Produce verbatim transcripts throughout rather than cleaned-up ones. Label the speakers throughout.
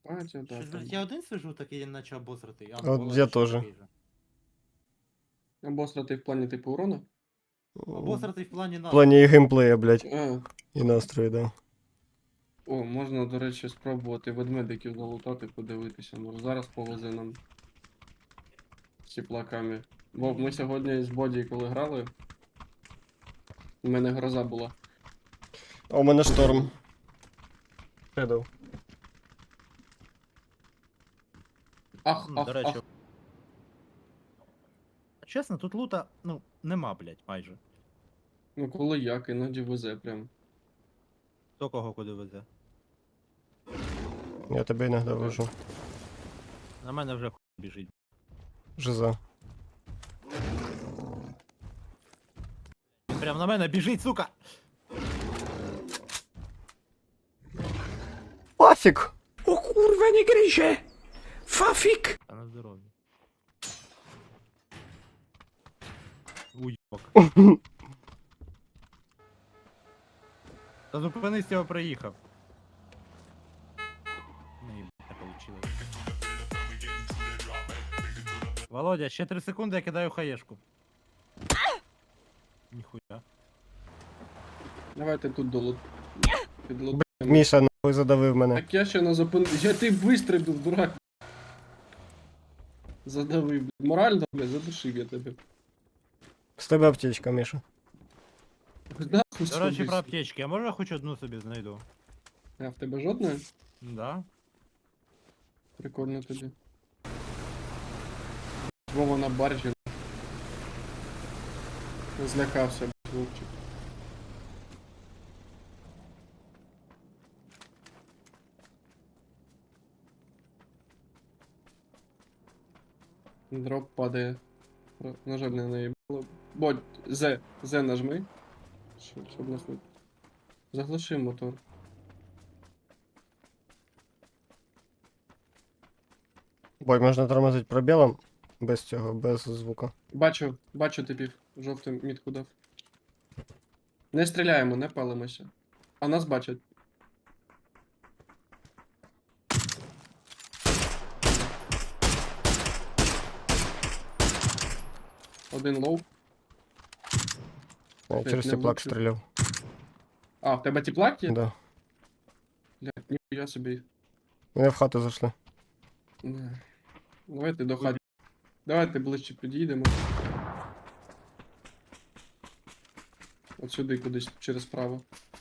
Speaker 1: Бачу, да,
Speaker 2: Щось,
Speaker 1: там.
Speaker 2: блядь, я один сижу такий, наче обосратий. А,
Speaker 3: От
Speaker 2: ну, Володя
Speaker 3: я
Speaker 2: ще
Speaker 3: теж.
Speaker 2: такий же.
Speaker 1: Обосратий в плані типу урона?
Speaker 3: В
Speaker 2: Обосратий в плані нас.
Speaker 3: плані і геймплея, блядь,
Speaker 1: А,
Speaker 3: і настрою, да.
Speaker 1: о, можна, до речі, спробувати ведмедиків залутати, подивитися. Може зараз повезе нам з теплаками. Бо ми сьогодні з Боді, коли грали, у мене гроза була.
Speaker 3: А у мене шторм. Shadow.
Speaker 1: Ах,
Speaker 2: М,
Speaker 1: ах,
Speaker 2: До речі.
Speaker 1: ах.
Speaker 2: Чесно, тут лута, ну, нема, блядь, майже.
Speaker 1: Ну коли як, іноді везе прям.
Speaker 2: Хто кого куди везе.
Speaker 3: Я тебе іноді вожу.
Speaker 2: На мене вже хуй біжить.
Speaker 3: Жиза.
Speaker 2: Він прям на мене біжить, сука!
Speaker 3: Пафік!
Speaker 4: O kurwa nie gryzie! Fafik!
Speaker 2: Та на здоров'я. Уйок. Та зупинись, я проїхав. Не, не получилось. Володя, ще три секунди, я кидаю хаєшку. Ніхуя.
Speaker 1: Давайте тут долут. Підлутаємо.
Speaker 3: Міша нахуй задавив мене.
Speaker 1: Так я ще на зупин... Я ти вистрибнув, дурак. Задавив, блядь. Морально, блядь, задушив я тебе.
Speaker 3: З тебе аптечка, Міша.
Speaker 1: Нахуй
Speaker 2: До речі,
Speaker 1: сходись.
Speaker 2: про аптечки, а може я хоч одну собі знайду?
Speaker 1: А в тебе жодної?
Speaker 2: Да.
Speaker 1: Прикольно тобі. Вова на баржі. Злякався, блядь, Вовчик. Дроп падає. Про- На жаль, не наїбало. Бодь, З, З нажми. Щоб, щоб нас не... Заглуши мотор.
Speaker 3: Бой, можна тормозити пробілом. Без цього, без звука.
Speaker 1: Бачу, бачу типів. Жовтим мітку дав. Не стріляємо, не палимося. А нас бачать. Один лоу.
Speaker 3: Я
Speaker 1: Блядь,
Speaker 3: через
Speaker 1: не
Speaker 3: теплак
Speaker 1: влучив.
Speaker 3: стріляв.
Speaker 1: А, в тебе теплак є?
Speaker 3: Да.
Speaker 1: Блядь, ніхуя собі.
Speaker 3: Вони в хату зайшли.
Speaker 1: Не. Давайте до хаті. Давайте ближче підійдемо. От сюди кудись через право.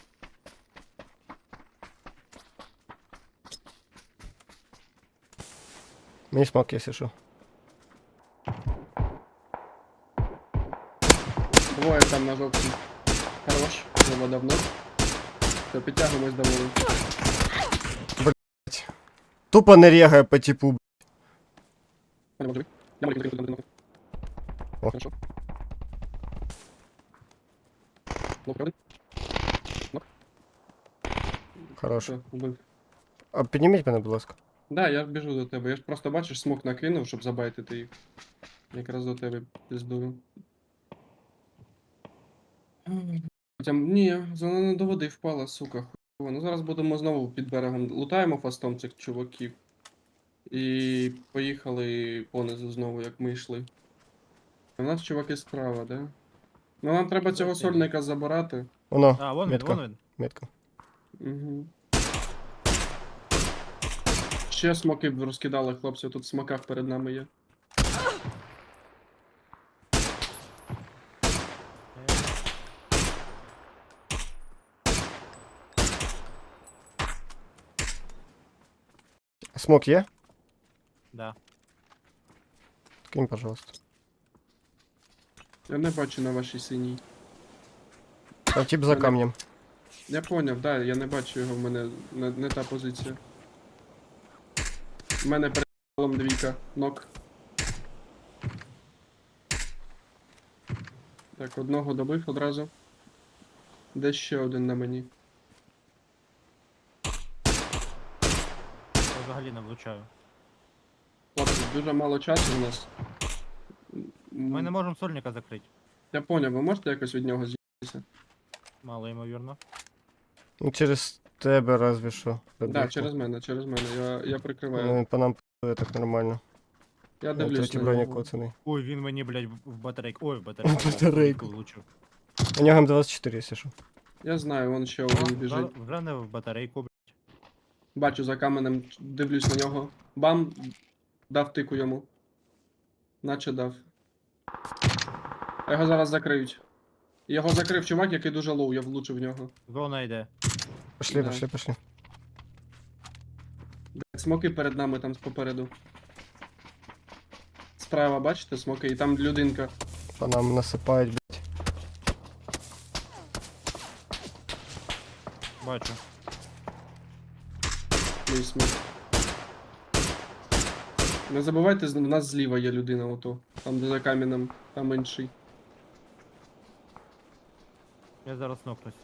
Speaker 3: Мені смок, якщо що.
Speaker 1: Двоє там на жовтій. Хорош. Треба давно. Все, підтягуємось до воли.
Speaker 3: Тупо не рягає по типу.
Speaker 1: Я можу. Я можу. Я можу.
Speaker 3: О.
Speaker 1: Хорошо. Ну, правда?
Speaker 3: Хорош.
Speaker 1: Все, вбив.
Speaker 3: А підніміть мене, будь ласка.
Speaker 1: Да, я біжу до тебе. Я ж просто бачиш, смок накинув, щоб забайтити їх. Якраз до тебе піздую. Хоча, ні, вона не до води впала, сука, хуйово. Ну зараз будемо знову під берегом. Лутаємо фастом цих чуваків. І поїхали понизу знову, як ми йшли. У нас чуваки справа, да? Ну нам треба цього
Speaker 2: Окей.
Speaker 1: сольника забирати.
Speaker 3: Воно,
Speaker 2: А, вон він,
Speaker 3: метка,
Speaker 2: вон він.
Speaker 3: метка.
Speaker 1: Угу. Ще смоки б розкидали, хлопці, тут в смоках перед нами є.
Speaker 3: Смок є?
Speaker 2: Да.
Speaker 3: Кинь, пожалуйста.
Speaker 1: Я не бачу на вашій синій.
Speaker 3: Там тип за камнем.
Speaker 1: Я поняв, да, я не бачу його, в мене не, не та позиція. У мене перед полом двійка, нок. Так, одного добив одразу. Де ще один на мені?
Speaker 2: Я взагалі не влучаю.
Speaker 1: Хлопці, дуже мало часу у нас.
Speaker 2: Ми не можемо сольника закрити.
Speaker 1: Я поняв, ви можете якось від нього з'їхатися?
Speaker 2: Мало ймовірно.
Speaker 3: Ну, через тебе разве що.
Speaker 1: Так, да,
Speaker 3: Родивку.
Speaker 1: через мене, через мене. Я, я прикриваю.
Speaker 3: Ну, по нам п***є так нормально.
Speaker 1: Я
Speaker 3: Я
Speaker 1: дивлюсь
Speaker 3: третій
Speaker 1: на
Speaker 3: бронік
Speaker 1: нього.
Speaker 3: коцаний.
Speaker 2: Ой, він мені, блядь, в- в батарейку. Ой, в батарейку.
Speaker 3: В батарейку.
Speaker 2: влучив.
Speaker 3: У нього М двадцять чотири, якщо що.
Speaker 1: Я знаю, вон ще
Speaker 2: О,
Speaker 1: один біжить.
Speaker 2: вже- Вже не в батарейку, блядь.
Speaker 1: Бачу за каменем, дивлюсь на нього. Бам! Дав тику йому. Наче дав. Його зараз закриють. Його закрив чувак, який дуже лоу, я влучив в нього.
Speaker 2: Зона йде.
Speaker 3: Пошли,
Speaker 1: Да.
Speaker 3: пошли, пошли.
Speaker 1: Блядь, смоки перед нами там попереду. Справа, бачите, смоки, і там людинка.
Speaker 3: По нам насипають, блядь.
Speaker 2: Бачу.
Speaker 1: Мій смок. Не забувайте, з- в нас зліва є людина ото. Там де за каменем, там інший.
Speaker 2: Я зараз нокнусь.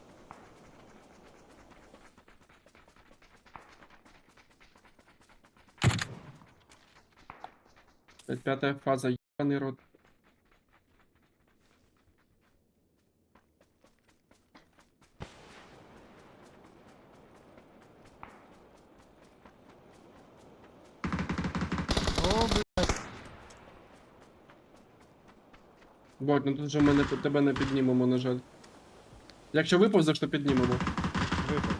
Speaker 1: Блядь, П'ята фаза, єбаний рот.
Speaker 2: О, блядь.
Speaker 1: Бодь, ну тут же ми не, тебе не піднімемо, на жаль. Якщо виповзеш, то піднімемо.
Speaker 2: Випав.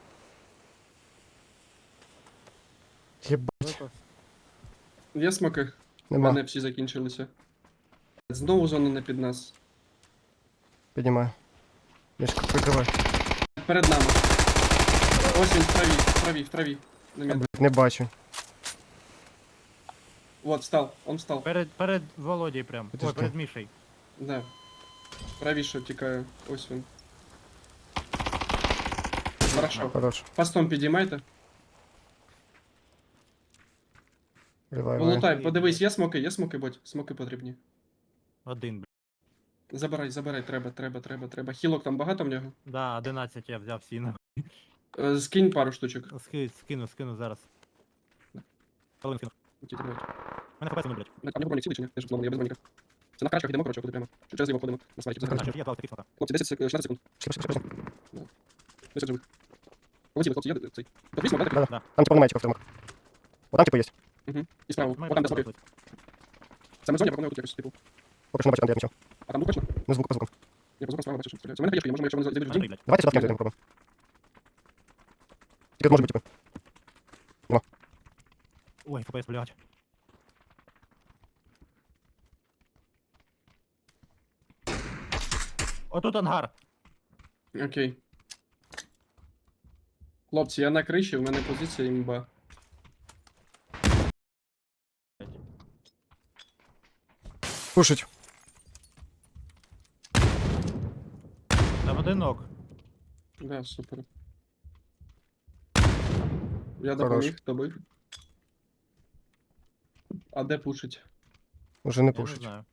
Speaker 3: Єбать,
Speaker 2: Випав.
Speaker 1: Є смоки? У
Speaker 3: нема.
Speaker 1: мене всі закінчилися. Знову зона не під нас.
Speaker 3: Піднімаю. Мішка, прикривай.
Speaker 1: Перед нами. Ось він в траві, в траві, в траві. На
Speaker 3: А,
Speaker 1: мід.
Speaker 3: блядь, не бачу.
Speaker 1: Вот, встал, он встал.
Speaker 2: Перед, перед Володей прям.
Speaker 3: Підожди.
Speaker 2: Ой, перед Мішей.
Speaker 1: Да. Правіше тікає. Ось він. Хорошо.
Speaker 3: Хорош.
Speaker 1: Фастом підіймайте.
Speaker 3: Вливай, вливай.
Speaker 1: Полутай, подивись, є смоки, є смоки, будь. Смоки потрібні.
Speaker 2: Один, блядь.
Speaker 1: Забирай, забирай, треба, треба, треба, треба. Хілок там багато в нього?
Speaker 2: Да, одинадцять я взяв сіно.
Speaker 1: Е, Скинь пару штучок.
Speaker 2: Ски, скину, скину зараз. Половину скину.
Speaker 1: Ті, тримай.
Speaker 2: Мене хп нуль, блядь.
Speaker 1: А в нього бронік цілий чи ні? Я ж зломаний, я без броніка. Це на крачках йдемо, коротше, куди прямо. Чи через ліво ходимо. На свайті.
Speaker 2: Бачу, я дав таких смока.
Speaker 1: Хлопці, десять, сек- шістнадцять секунд.
Speaker 3: Пішли, пішли, пішли.
Speaker 1: десять живих. Полетіли, хлопці, я цей. Подивись, смок, да,
Speaker 3: Да,
Speaker 1: такий?
Speaker 3: да. Там типа немає типа в тримах. Вот там типа є.
Speaker 1: Угу. І справа.
Speaker 2: Має
Speaker 1: О, там де
Speaker 2: бути
Speaker 1: смоки. Саме в зоні, я пропоную тут якось, типу.
Speaker 3: Поки що не бачу, там де я нічого.
Speaker 1: А там звук точно?
Speaker 3: Не звук по звукам.
Speaker 1: Я по звукам справа бачу, що стріляють. У мене хаєшка є, можемо, якщо вони зайдуть в
Speaker 2: Андрій,
Speaker 1: дім.
Speaker 2: блядь.
Speaker 3: Давайте сюди кинемо, попробуємо. Тільки тут може бути типа.
Speaker 2: Ой, ФПС, блядь. Отут ангар.
Speaker 1: Окей. Хлопці, я на криші, у мене позиція імба.
Speaker 3: Пушить.
Speaker 2: Там один нок.
Speaker 1: Да, супер. Я
Speaker 3: Хорош.
Speaker 1: допоміг, добив. А де пушить?
Speaker 3: Уже не
Speaker 2: Я не
Speaker 3: пушить.
Speaker 2: знаю.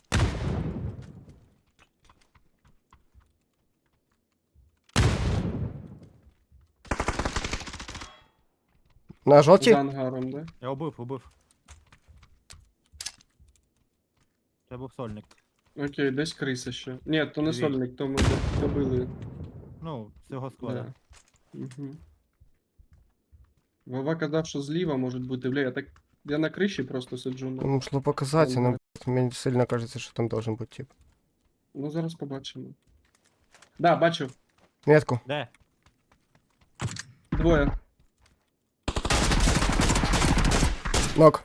Speaker 3: На жовті?
Speaker 1: За ангаром, да?
Speaker 2: Я убив, убив. Це був сольник.
Speaker 1: Окей, десь криса ще. Ні, то не
Speaker 2: Дві.
Speaker 1: сольник, то ми до- добили.
Speaker 2: Ну, з цього складу.
Speaker 1: Да. Угу. Вова казав, що зліва можуть бути, бля, я так. Я на криші просто сиджу.
Speaker 3: Ну,
Speaker 1: Ну,
Speaker 3: могло показатися,
Speaker 1: Ага.
Speaker 3: но мені сильно кажеться, що там должен бути тип.
Speaker 1: ну зараз побачимо. Да, бачу.
Speaker 3: Метку.
Speaker 2: Де?
Speaker 1: Двоє.
Speaker 3: Нок.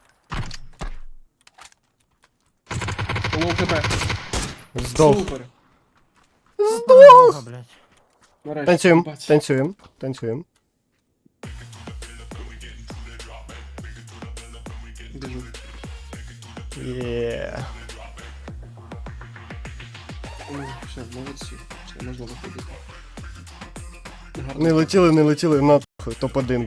Speaker 1: Лоу хп.
Speaker 3: Здох.
Speaker 1: Супер.
Speaker 2: Здох! Блядь.
Speaker 1: Нарешті,
Speaker 3: Танцюємо,
Speaker 1: бать.
Speaker 3: танцюємо, танцюємо.
Speaker 1: Біжу.
Speaker 3: Є.
Speaker 1: Ну, все, молодці. Все, можна виходити. Гарно.
Speaker 3: Не летіли, не летіли, на топ один.